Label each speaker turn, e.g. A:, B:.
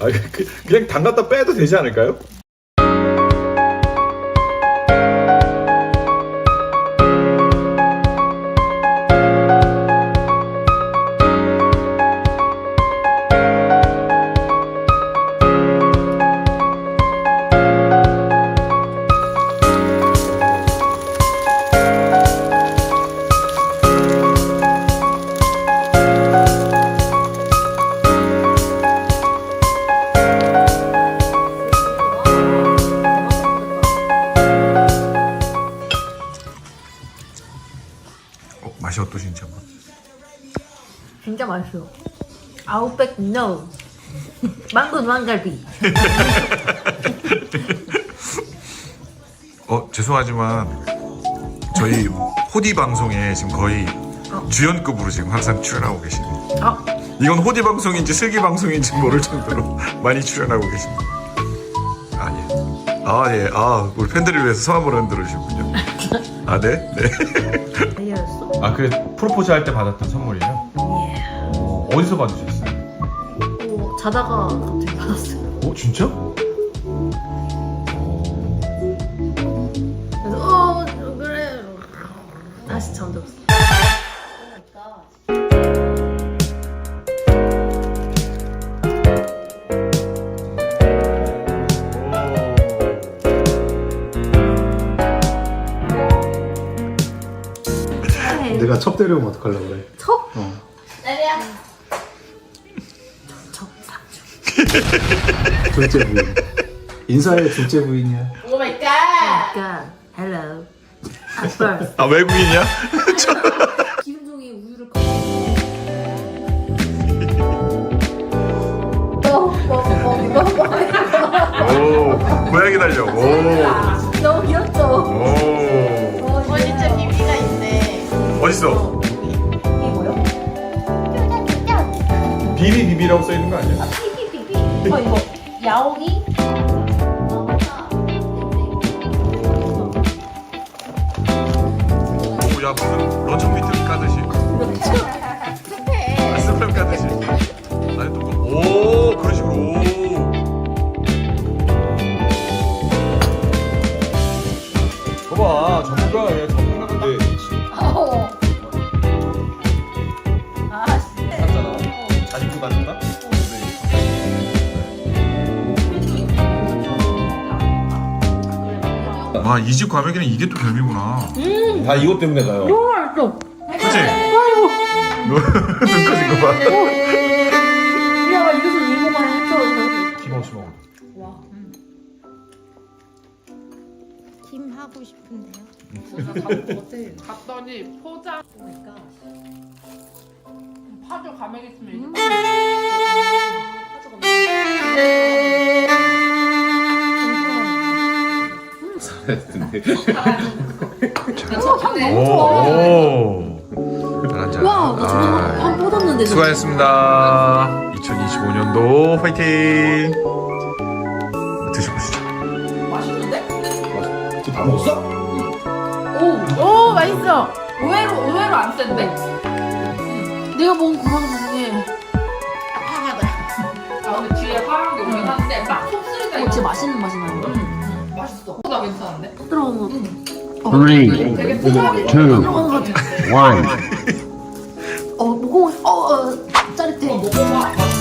A: 아, 그냥 담갔다 빼도 되지 않을까요?
B: 맛이 어떠신지 한번.
C: 진짜 맛있어요. 아웃백 no. 망고 왕갈비.
B: 죄송하지만 저희 호디 방송에 지금 거의 주연급으로 지금 항상 출연하고 계십니다. 이건 호디 방송인지 슬기 방송인지 모를 정도로 많이 출연하고 계십니다. 예. 우리 팬들을 위해서 손 한번 흔들어 주시군요. 네.
C: 알려줬어?
A: 아, 그 프로포즈 할 때 받았던 선물이에요?
C: 예.
A: 어디서 받으셨어요?
C: 자다가 갑자기 받았어요.
A: 진짜?
C: 그래서 그래. 다시 잠들었어.
D: 내가 첩 데려오면 어떡하려고 그래?
C: 첩?
E: 내려.
C: 첩 삭주.
D: 둘째 부인. 인사해, 둘째 부인이야.
E: 오 마이 갓.
C: 그러니까 hello. At birth.
B: 외국인이야?
C: 김종이 우유를
B: 고양이 달려.
C: 너무 귀엽죠?
E: 진짜 비비가 있네.
B: 어딨어?
C: 이게 뭐요?
A: 비비비비라고 써있는 거 아니야?
C: 비비비비. 이거 야옹이?
B: 야, 무슨 런천 비트 까듯이. 스팸 까듯이. 아니, 또 그런 식으로.
A: 봐봐, 전문가야. 전문가인데 샀잖아. 잘 입고 다닌다?
B: 와, 이 집 과메기는 이게 또 별미구나.
A: 다 이것 때문에 가요.
C: 너무 맛있어.
B: 그치? 눈 커진 거 봐.
C: 야, 이래서 이모가 해쳐.
A: 김 없이 먹어.
E: 김 하고 싶은데요.
F: 갔더니 포장 파주 가맹했으면
B: 잘한다.
C: 와, 나 진짜 한 뻗었는데.
B: 수고하셨습니다. 2025년도 화이팅. 드셔보시죠.
A: 다 먹었어?
F: 오 맛있어. 의외로 안 센데?
C: 내가 먹은 구랑 중에
F: 화하다. 아 근데 뒤에 화한 게 오긴 한데 막 속쓰리다 이거
C: 진짜 맛있는 맛이 나는 거.
F: 맛있어. 나 괜찮은데?
C: 들어간 거.
G: 3, 2, 1.
F: 되게 포장이
C: 들어간 거 같아. 먹고 짜릿해.
F: 먹어봐.